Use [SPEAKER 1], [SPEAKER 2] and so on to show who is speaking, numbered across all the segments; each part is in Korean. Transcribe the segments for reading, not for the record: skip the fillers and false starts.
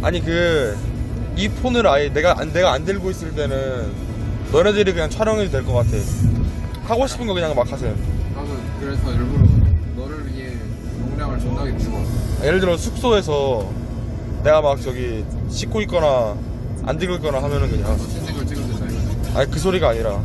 [SPEAKER 1] 아니 이 폰을 아예 내가 안 들고 있을 때는 너네들이 그냥 촬영해도 될 것 같아. 하고 싶은 거 그냥 막 하세요.
[SPEAKER 2] 나도 그래서 일부러 너를 위해 용량을 존나게 주었어.
[SPEAKER 1] 예를 들어 숙소에서 내가 막 저기 씻고 있거나 안 들고 있거나 하면은 그냥
[SPEAKER 2] 신진 걸 찍으면 된다 이거지.
[SPEAKER 1] 아니 그 소리가 아니라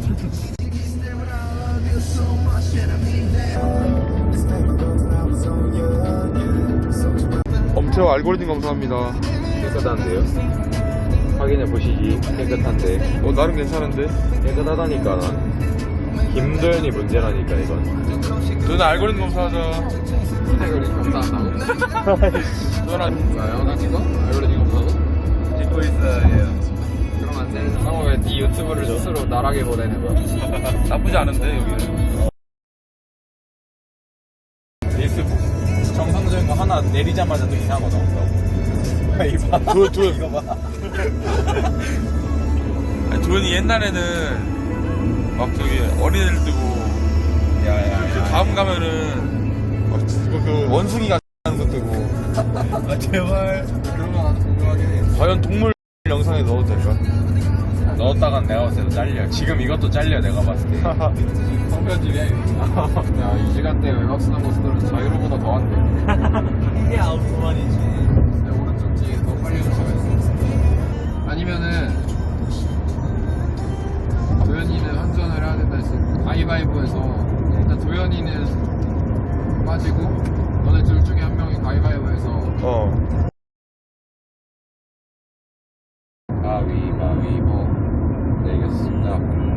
[SPEAKER 1] 엄청 알고리즘 감사합니다.
[SPEAKER 3] 깨끗한데요? 확인해 보시기. 깨끗한데.
[SPEAKER 1] 나름 괜찮은데?
[SPEAKER 3] 깨끗하다니까. 김도현이 문제라니까 이건.
[SPEAKER 1] 너는 알고리즘 감사하자.
[SPEAKER 2] 알고리즘 감사한다고?
[SPEAKER 1] 너는
[SPEAKER 2] 나 영상 찍어? 알고리즘 감사하고?
[SPEAKER 3] 찍고 있어요.
[SPEAKER 2] 그럼 안 돼. 상호 왜네 유튜브를 스스로 나락에 보내는 거야?
[SPEAKER 1] 나쁘지 않은데 여기는.
[SPEAKER 3] 페이스북 정상적인 거 하나 내리자마자 또 이상한 거 나온다고. 이거 봐.
[SPEAKER 1] 아니, 도현이 옛날에는 막 저기 어린애들 뜨고
[SPEAKER 3] 야야야.
[SPEAKER 1] 다음 가면은 막 그 원숭이가 하는 거 뜨고
[SPEAKER 3] 아 제발.
[SPEAKER 2] 그런 거 나도 궁금하긴 해.
[SPEAKER 1] 과연 동물 영상에 넣어도 될까?
[SPEAKER 3] 넣었다간 내가 봤을 때 잘려. 지금 이것도 잘려 내가 봤을 때.
[SPEAKER 2] 성편집이야 이거. 야이 시간대에 외곽순환 모습들은 자유로보다 더한데.
[SPEAKER 3] 이게 아웃만이지.
[SPEAKER 2] 내 오른쪽 뒤에 더 빨리 도착했어. 아니면은 도현이는 환전을 해야 된다 했어. 가위바위보에서 일단 도현이는 빠지고 너네 둘 중에 한 명이 가위바위보에서
[SPEAKER 3] 가위바위보 내겠습니다.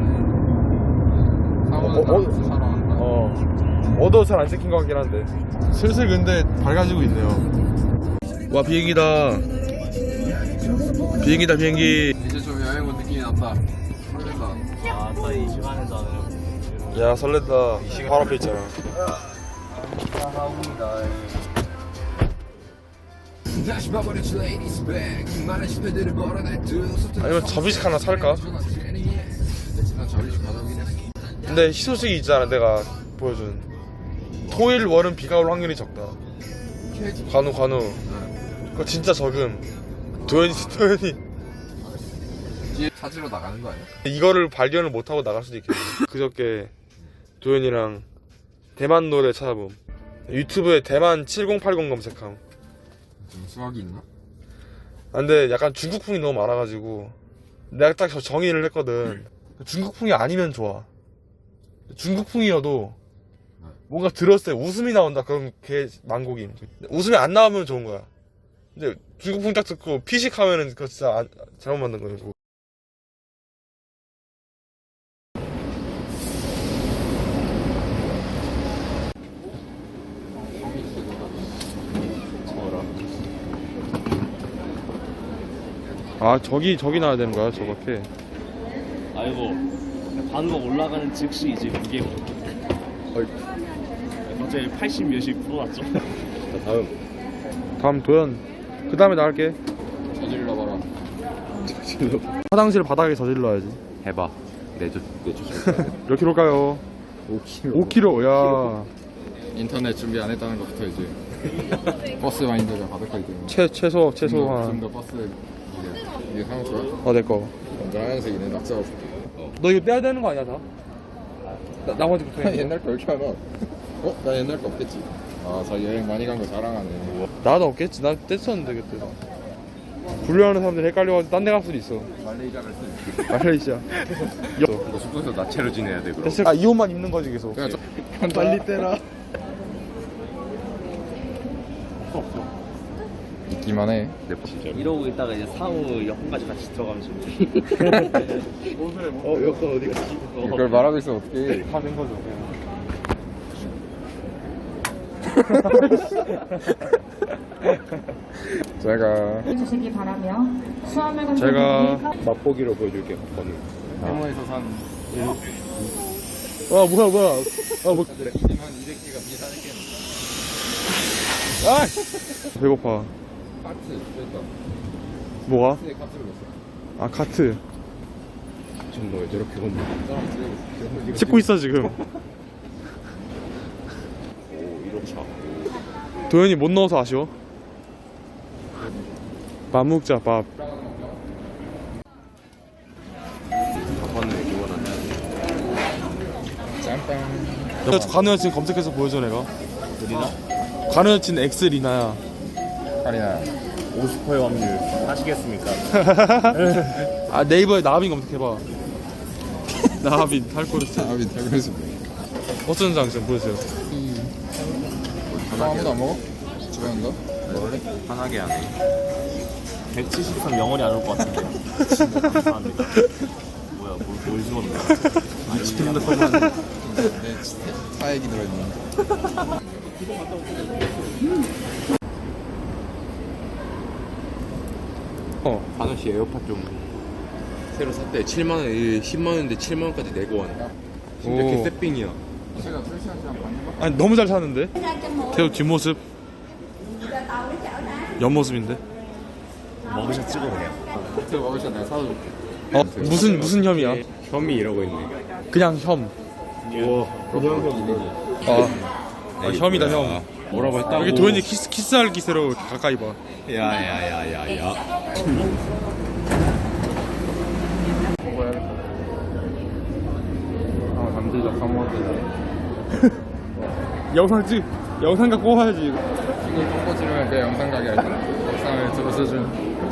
[SPEAKER 2] 사고는 나가서 사러 간다.
[SPEAKER 1] 얻어 잘 안 찍힌 것 같긴 한데 슬슬 근데 밝아지고 있네요. 와 비행기다. 비행기.
[SPEAKER 2] 이제 좀 여행 온 느낌이 난다. 설렌다.
[SPEAKER 3] 아따 이 시간에서는
[SPEAKER 1] 야 설렌다. 바로 앞에 있잖아. 아니면 접이식 하나 살까?
[SPEAKER 2] 난 저리식 가져오긴 했어.
[SPEAKER 1] 근데 희소식이 있잖아. 내가 보여준 토일 월은 비가 올 확률이 적다. 관우 그거 진짜 적음. 도현이
[SPEAKER 2] 뒤에 찾으러 나가는 거 아니야?
[SPEAKER 1] 이거를 발견을 못하고 나갈 수도 있겠네. 그저께 도현이랑 대만 노래 찾아봄. 유튜브에 대만 7080 검색함.
[SPEAKER 2] 좀 수학이 있나?
[SPEAKER 1] 근데 약간 중국풍이 너무 많아가지고 내가 딱 정의를 했거든. 중국풍이 아니면 좋아. 중국풍이어도 뭔가 들었을 때 웃음이 나온다. 그럼 걔 망곡임. 웃음이 안 나오면 좋은 거야. 근데 중국풍 딱 듣고 피식하면은 그거 진짜 잘못 만든 거고. 아 저기 나야 되는 거야 저밖에.
[SPEAKER 4] 아이고 반으로 올라가는 즉시 이제 무게 갑자기 80 몇씩 풀어놨죠.
[SPEAKER 1] 다음 도현. 그 다음에 나 할게.
[SPEAKER 2] 저질러 봐라.
[SPEAKER 1] 화장실 바닥에 저질러야지.
[SPEAKER 3] 해봐. 내줘.
[SPEAKER 1] 몇 킬로일까요? 5kg. 야
[SPEAKER 2] 인터넷 준비 안 했다는 것부터 이제 버스 마인드가 가득하기 때문에.
[SPEAKER 1] 최소
[SPEAKER 2] 지금
[SPEAKER 1] 한.
[SPEAKER 2] 더 버스 이게 상호 거야?
[SPEAKER 1] 내 거.
[SPEAKER 2] 먼저 하얀색이네. 낙서가 줄게.
[SPEAKER 1] 너 이거 떼야 되는 거 아니야 다? 나머지 붙어 있는 거.
[SPEAKER 2] 옛날 거 이렇게 하나? 나 옛날 거 없겠지. 자기 여행 많이 간 거 자랑하네.
[SPEAKER 1] 나도 없겠지. 나 뗐었는데 그때. 분류하는 사람들 헷갈려가지고 딴 데 갈 수도 있어.
[SPEAKER 2] 말레이시아 갈 수.
[SPEAKER 1] 말레이시아.
[SPEAKER 3] 너 숙소에서 나체로 지내야 돼 그럼.
[SPEAKER 1] 됐을. 이 옷만 입는 거지 계속.
[SPEAKER 2] 그냥
[SPEAKER 1] 빨리 떼라.
[SPEAKER 2] 있기만 해.
[SPEAKER 3] 내 진짜.
[SPEAKER 4] 이러고 있다가 이제 상우 여권까지 같이 들어가면
[SPEAKER 1] 여권 어디 갔지?
[SPEAKER 2] 이걸 말하고 있으면 어떡해.
[SPEAKER 1] 다 된 거죠.
[SPEAKER 2] 제가
[SPEAKER 5] 해주시기 바라며 수화물
[SPEAKER 1] 제가
[SPEAKER 3] 맛보기로 보여줄게. 거는.
[SPEAKER 2] 해모에서 산
[SPEAKER 1] 뭐야. 뭐.
[SPEAKER 2] 2만 200개가 비싸겠네.
[SPEAKER 1] 배고파.
[SPEAKER 2] 카트 됐다.
[SPEAKER 1] 뭐가?
[SPEAKER 2] 카트에 카트를 줬어.
[SPEAKER 1] 카트.
[SPEAKER 3] 정말 왜 저렇게 건너?
[SPEAKER 2] 사람 찍고
[SPEAKER 1] 찍고 있어 지금.
[SPEAKER 3] 오 1호차.
[SPEAKER 1] 도현이 못 넣어서 아쉬워. 밥 먹자 밥. 관우 여친 검색해서 보여줘 내가.
[SPEAKER 3] 리나?
[SPEAKER 1] 관우 여친 X 리나야.
[SPEAKER 3] 아니야. 50%의 확률 하시겠습니까?
[SPEAKER 1] 아 네이버에 나하빈 검색해봐. 나하빈 탈코르스.
[SPEAKER 2] 아비 그래서
[SPEAKER 1] 어떤 장점 보여주세요.
[SPEAKER 2] 아무도 안 먹어? 집에 간다?
[SPEAKER 3] 원래 편하게 하네.
[SPEAKER 4] 173 영원히 안 올 것 같은데. 진짜 감사합니다. 뭐야, 뭘 주었나?
[SPEAKER 2] 내 사액이 들어있는
[SPEAKER 6] 관우 씨 에어팟 좀 새로 샀대. 7만 원, 10만 원인데 7만 원까지 내고 왔네. 진짜
[SPEAKER 1] 오.
[SPEAKER 6] 개쎄삥이야.
[SPEAKER 2] 제가 3시간 그냥 받는 거?
[SPEAKER 1] 아니 너무 잘 사는데. 계속 뒷모습. 옆모습인데.
[SPEAKER 3] 먹으셔 찍어 그냥.
[SPEAKER 2] 제가 먹으셔 내가 사도 줄게
[SPEAKER 1] 어 무슨 혐이야?
[SPEAKER 6] 혐이 이러고 있네.
[SPEAKER 1] 그냥 혐.
[SPEAKER 6] 우와.
[SPEAKER 1] 아 혐이다 혐.
[SPEAKER 6] 뭐라고 했다고?
[SPEAKER 1] 여기 도현이 키스할 기세로 가까이 봐.
[SPEAKER 6] 야야야야야.
[SPEAKER 2] 남들다 까먹었대
[SPEAKER 1] 영상 갖고 와야지.
[SPEAKER 2] 이걸 꺾고 지르면 내 영상 가게 할 거야 영상을 들어서준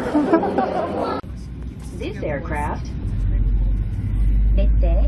[SPEAKER 7] This aircraft, Mette,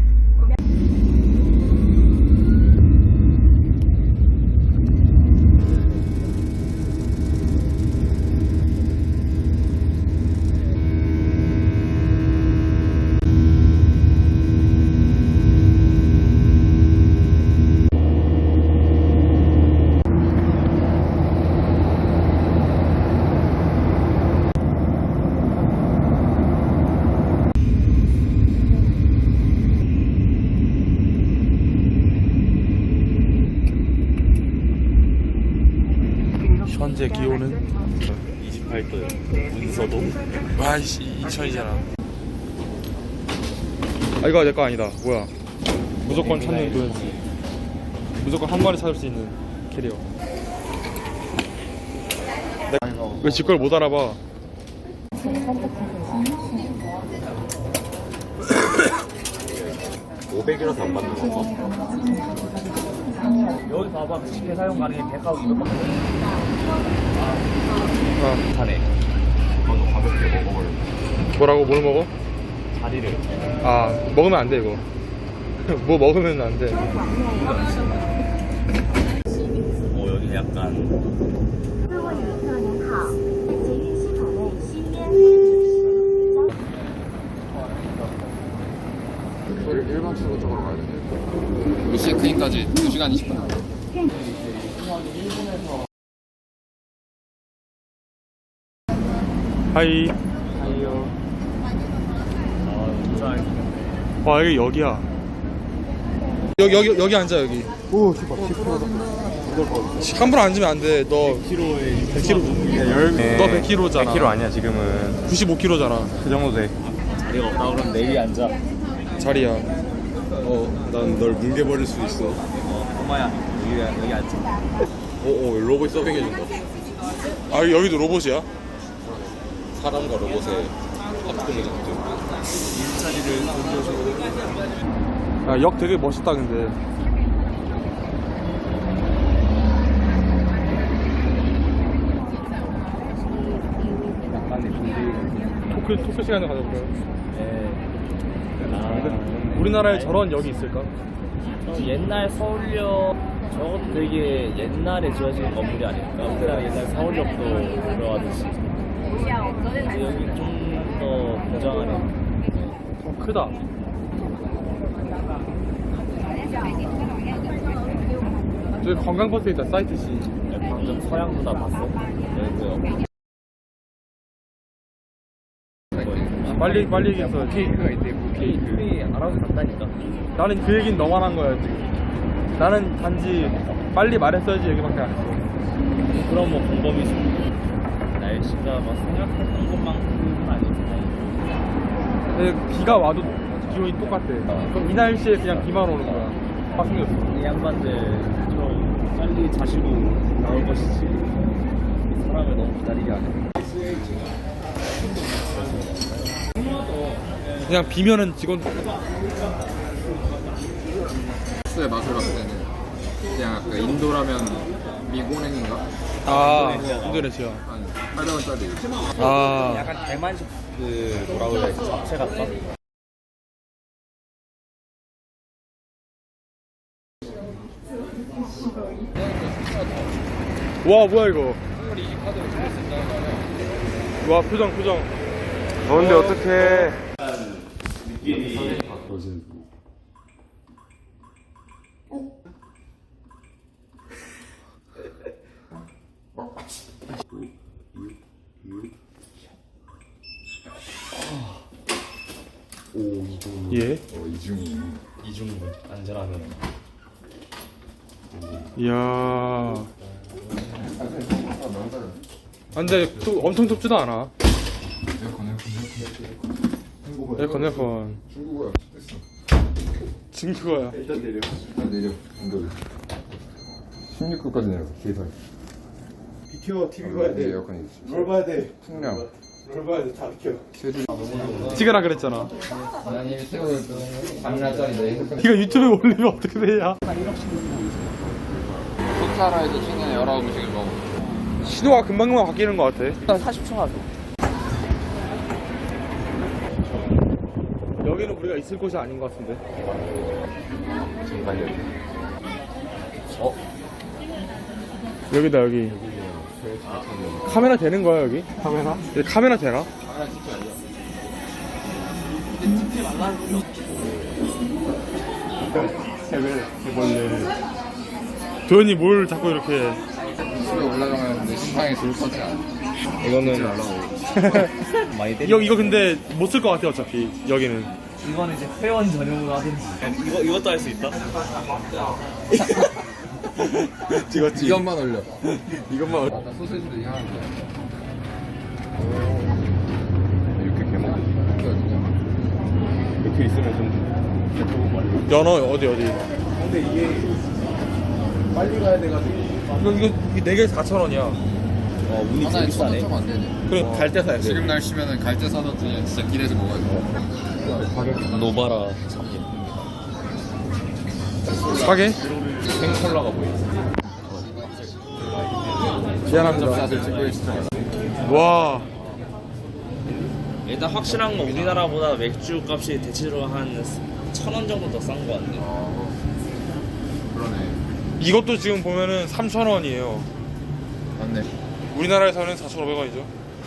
[SPEAKER 1] 현재 기온은
[SPEAKER 4] 28도요. 문서도.
[SPEAKER 1] 아이씨 인천이잖아. 아 이거 내 거 아니다. 뭐야? 무조건 찾는 도현이. 무조건 한 번에 찾을 수 있는 캐리어. 왜 지 걸 못 알아봐?
[SPEAKER 3] $500이라서 안 받는 거.
[SPEAKER 4] 여기 봐봐. 쉽게 사용 가능해. 백화점 무조건
[SPEAKER 1] 아
[SPEAKER 3] 타네. 너도 가볍게 먹어버려.
[SPEAKER 1] 뭐라고 뭘 먹어?
[SPEAKER 4] 자리를.
[SPEAKER 1] 아 먹으면 안 돼 이거. 뭐 먹으면 안 돼.
[SPEAKER 4] 여기 약간.
[SPEAKER 7] 各位旅客您好，捷运系统内吸烟。
[SPEAKER 2] 일반 출구 쪽으로 가야 돼 우리 체크인까지 2시간 20분
[SPEAKER 1] 하이. 와 여기 여기야. 여기 앉아 여기. 오 함부로 앉으면 안 돼. 너 100kg. 너 100kg잖아.
[SPEAKER 3] 100kg 아니야 지금은.
[SPEAKER 1] 95kg잖아.
[SPEAKER 3] 그 정도 돼.
[SPEAKER 4] 자리가 없다 그러면 내리 앉아.
[SPEAKER 1] 자리야.
[SPEAKER 6] 난 널 뭉개버릴 수 있어.
[SPEAKER 4] 엄마야, 여기 앉아.
[SPEAKER 6] 로봇 서빙해준다.
[SPEAKER 1] 아 여기도 로봇이야?
[SPEAKER 6] 사람과 로봇의 합동의 장점.
[SPEAKER 1] 아, 역 되게 멋있다 근데. 토크 시간에 가져볼까요? 우리나라에 저런 역이 있을까?
[SPEAKER 4] 옛날 서울역 저것도 되게 옛날에 지어진 건물이 아닐까? 우리나라 옛날 서울역도 들어가듯이. 근데 여기 좀 더 고장하네.
[SPEAKER 1] 크다. 저기 관광버스 있다. 사이트 C.
[SPEAKER 4] 방금 서양 누나 봤어? 여기
[SPEAKER 1] 빨리 얘기했어.
[SPEAKER 2] 케이크가 있대
[SPEAKER 4] 우리 알아서 간다니까.
[SPEAKER 1] 나는 그 얘기는 너만 한 거야 지금. 나는 단지 빨리 말했어야지 얘기밖에 안 했어.
[SPEAKER 4] 그럼 뭐 공범이지. 날씨가 막 생각했던 것만큼은 아니지.
[SPEAKER 1] 근데 비가 와도 기온이 똑같대. 그럼 이 날씨에 그냥 비만 오는 거야. 확 생겼어.
[SPEAKER 4] 이 양반들 좀 빨리 자시고 나올 것이지. 이 사람을 너무 기다리게 하네.
[SPEAKER 1] 그냥 비면은 직원
[SPEAKER 2] 소스의 맛을 봤을 때는 그냥 그 인도라면 미고냉인가?
[SPEAKER 1] 아 인도네시아
[SPEAKER 2] 한 800원짜리.
[SPEAKER 1] 아
[SPEAKER 4] 약간 대만식 그 뭐라고 해야 되지? 잡채 같다?
[SPEAKER 1] 와 뭐야 이거 와 표정 더운데 어떡해 예?
[SPEAKER 4] 이중분 안전하면.
[SPEAKER 1] 이야 아, 근데 또 엄청 덥지도 않아 에어컨 중국어야
[SPEAKER 2] 일단 내려. 인도. 16도까지 내려. 계산.
[SPEAKER 1] 비켜 TV 봐야 돼
[SPEAKER 2] 에어컨이 있어.
[SPEAKER 1] 뭘 봐야 돼
[SPEAKER 2] 풍량.
[SPEAKER 1] 뭘 봐야 돼다 비켜 찍으라 그랬잖아
[SPEAKER 2] 아니 새우도 3날짜리인데.
[SPEAKER 1] 이거 유튜브에 올리면 어떻게 되냐
[SPEAKER 2] 소사라에서 시내 여러 음식을 먹어.
[SPEAKER 1] 신호가 금방금방 바뀌는 것 같아
[SPEAKER 4] 40초 하죠.
[SPEAKER 1] 여기는 우리가 있을 곳이 아닌 것 같은데 여기다 여기 카메라 되는 거야 여기? 카메라? 여기 카메라 되나? 도현이 뭘 자꾸 이렇게
[SPEAKER 2] 집에 올라가면 내 신상에 둘 서지 않아.
[SPEAKER 1] 이거는
[SPEAKER 4] 많이 때리.
[SPEAKER 1] 이거 근데 못 쓸 것 같아 어차피 여기는
[SPEAKER 4] 이거는 이제 회원 전용으로 하든지. 이것도 할 수 있다.
[SPEAKER 1] 찍었지
[SPEAKER 2] 이것만 올려.
[SPEAKER 1] 이것만
[SPEAKER 2] 나 소세지도 이상한데.
[SPEAKER 6] 이렇게 개먹
[SPEAKER 1] 이렇게 있으면 좀 연어 어디
[SPEAKER 6] 근데 이게 빨리 가야 돼가지고
[SPEAKER 1] 이거 4개에 4,000원이야
[SPEAKER 4] 운이
[SPEAKER 2] 하나에
[SPEAKER 4] 되게 비싸네.
[SPEAKER 2] 1,000원 안 되네.
[SPEAKER 1] 그래 갈 때 사야 돼
[SPEAKER 2] 지금 날씨면은 갈대 사놓더니 진짜 길에서 먹어야 돼.
[SPEAKER 4] 노바라.
[SPEAKER 1] 싸게?
[SPEAKER 6] 생콜라가 보이지.
[SPEAKER 1] 미안합니다
[SPEAKER 2] 사실 찍고 있어.
[SPEAKER 1] 와
[SPEAKER 4] 일단 확실한 건 우리나라보다 맥주 값이 대체적으로 한 1,000원 정도 더 싼 거 같네.
[SPEAKER 2] 그러네.
[SPEAKER 1] 이것도 지금 보면은 3,000원이에요
[SPEAKER 2] 맞네.
[SPEAKER 1] 우리나라에서는 4,500원이죠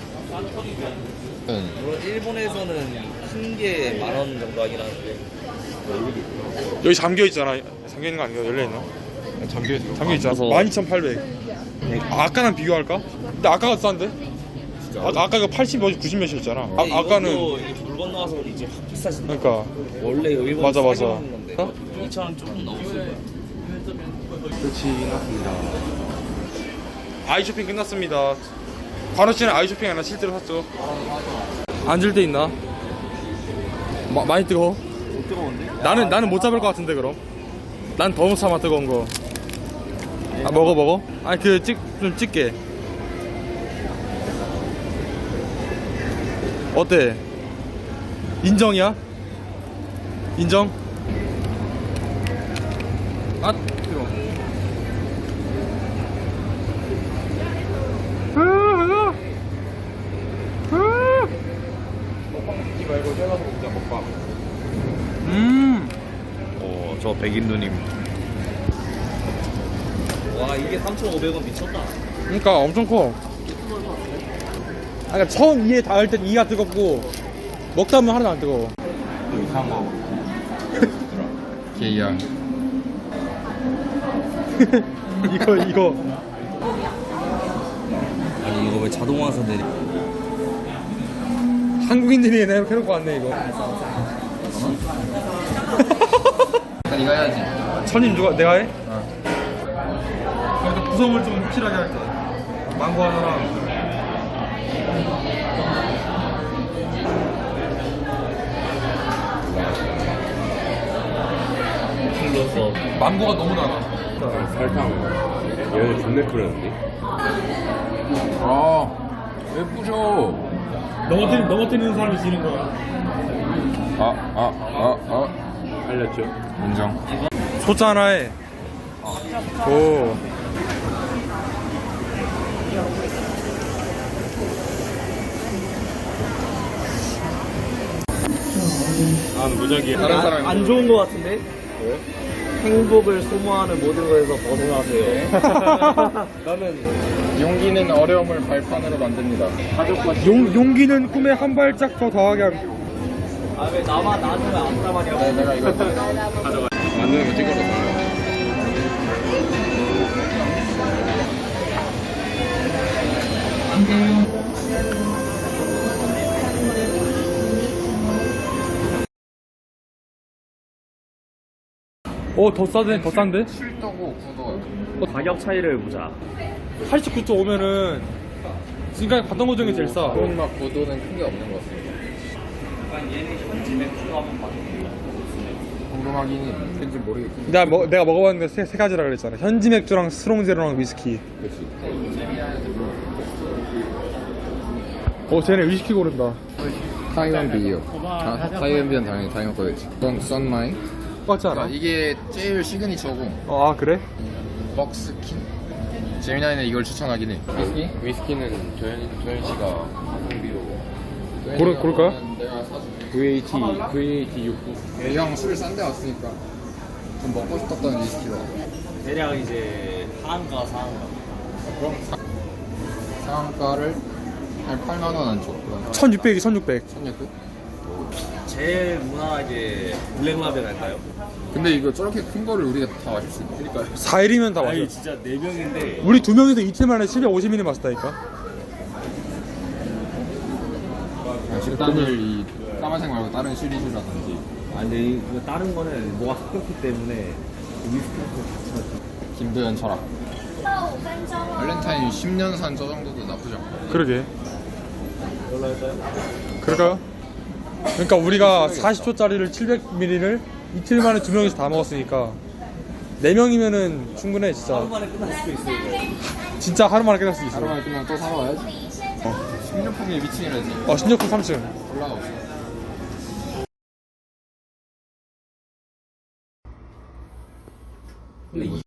[SPEAKER 2] 응.
[SPEAKER 4] 물론 일본에서는 큰 게 10,000원 정도 하긴 하는데.
[SPEAKER 1] 여기 잠겨있잖아 잠겨있는 거 아닌가? 열려있나?
[SPEAKER 2] 잠겨있어.
[SPEAKER 1] 잠겨있잖아 12,800 아까랑 비교할까? 근데 아까가 싼데? 아까 그 80 몇이 90 몇이었잖아 아까는
[SPEAKER 4] 이것도 이제 물 건너가서 이제 확 비싸진다.
[SPEAKER 1] 그러니까
[SPEAKER 4] 원래 일본
[SPEAKER 1] 맞아.
[SPEAKER 4] 건데
[SPEAKER 1] 어?
[SPEAKER 4] 2,000원 조금 넘었을 거야.
[SPEAKER 1] 끝이 났습니다 아이쇼핑 끝났습니다 관우씨는 아이쇼핑 하나 실제로 샀죠? 앉을 데 있나? 많이 뜨거워?
[SPEAKER 4] 뜨거운데?
[SPEAKER 1] 나는 못 잡을 것 같은데 그럼 난 더 못 참아 뜨거운 거 아, 먹어 아니 좀 찍게 어때? 인정이야? 인정? 아 뜨거워
[SPEAKER 6] 먹지 말고 떼가서 먹자 먹방.
[SPEAKER 4] 저 백인누님. 와 이게 3,500원 미쳤다.
[SPEAKER 1] 그러니까 엄청 커 그러니까 처음 이에 닿을 땐 이가 뜨겁고 먹다 보면 하나도 안 뜨거워
[SPEAKER 6] 이상한 거.
[SPEAKER 2] 게이야.
[SPEAKER 1] 이거
[SPEAKER 4] 아니 이거 왜 자동화서 내리?
[SPEAKER 1] 한국인들이 이렇게 해놓고 왔네 이거
[SPEAKER 2] 일단 이거 해야지.
[SPEAKER 1] 천임 누가 내가 해? 그래도 구성을 좀 확실하게 할게 망고 하나랑
[SPEAKER 4] 풀러서
[SPEAKER 1] 망고가 너무 많아
[SPEAKER 6] 설탕. 얘는 존내 끓였는데.
[SPEAKER 2] 아, 왜 부셔?
[SPEAKER 3] 넘어뜨리는 사람이 지는 거야.
[SPEAKER 6] 알렸죠. 인정.
[SPEAKER 1] 소자 하나에 오.
[SPEAKER 3] 다른 사람이
[SPEAKER 4] 안 좋은 거 같은데? 행복을 소모하는 모든 것에서 벗어나세요. 나는
[SPEAKER 2] 용기는 어려움을 발판으로 만듭니다.
[SPEAKER 1] 용기는 꿈에 한 발짝 더 더하게 합니다.
[SPEAKER 4] 왜 나만 나는 왜 안 따마냐고.
[SPEAKER 2] 내가 이거
[SPEAKER 6] 만드는 거 찍어서.
[SPEAKER 1] 더 싼데? 더 싼데?
[SPEAKER 2] 7도고 9도요.
[SPEAKER 4] 가격 차이를 보자.
[SPEAKER 1] 89.5면은 지금까지 봤던 것 중에 제일 싸.
[SPEAKER 2] 막 9도는 큰 게 없는 것 같습니다.
[SPEAKER 4] 얘는 현지 맥주가 한번 봐줄게요.
[SPEAKER 2] 궁금하긴 해. 뭔지 모르겠고.
[SPEAKER 1] 내가 먹어봤는데 세 가지라 그랬잖아. 현지 맥주랑 스롱제로랑 위스키.
[SPEAKER 2] 그렇지.
[SPEAKER 1] 쟤네 위스키 고른다.
[SPEAKER 2] 타이완 비요. 타이완 비는 당연히 타이완 거겠지. 이건 썬마이.
[SPEAKER 1] 똑같지 않아?
[SPEAKER 2] 이게 제일 시그니처고
[SPEAKER 1] 아 그래?
[SPEAKER 2] 벅스킨. 재미나이는 이걸 추천하긴 해. 위스키?
[SPEAKER 6] 위스키는 조현 씨가 가성비로.
[SPEAKER 1] 고를까?
[SPEAKER 2] 내가 사줄게.
[SPEAKER 6] VAT 69.
[SPEAKER 2] 형 술 싼 데 왔으니까 좀 먹고 싶었던 위스키다.
[SPEAKER 4] 대략 이제 하한가 상한가.
[SPEAKER 2] 그럼 상한가를 한 8만 원 안줘.
[SPEAKER 1] 1600이 1600.
[SPEAKER 2] 1600?
[SPEAKER 4] 제일 무난하게 블랙라벨 할까요?
[SPEAKER 2] 근데 이거 저렇게 큰 거를 우리가 다 마실 수 있나? 그러니까요.
[SPEAKER 1] 4일이면 다 마셔.
[SPEAKER 4] 아니 진짜 4명인데
[SPEAKER 1] 우리 2명이서 이틀 만에 750ml 마셨다니까.
[SPEAKER 2] 일단은 이 까만색 말고 다른 시리즈라든지
[SPEAKER 4] 근데 이거 다른 거는 뭐가 섞였기 때문에 위스키랑 같이 마셔.
[SPEAKER 2] 김도현 철학. 발렌타인 10년 산 저 정도도 나쁘지 않고.
[SPEAKER 1] 그러게. 그럴까요? 그러니까 우리가 40초짜리를 700ml를 이틀 만에 2명이서 다 먹었으니까 4명이면은 충분해 진짜.
[SPEAKER 4] 하루 만에 끝날 수도 있어요. 이거.
[SPEAKER 1] 진짜 하루 만에 끝날 수 있어.
[SPEAKER 2] 하루만에 끝나면 또 사러 와야지. 식료품이 미친이라지.
[SPEAKER 1] 신력품 3층.
[SPEAKER 2] 올라가 없어.
[SPEAKER 4] 근데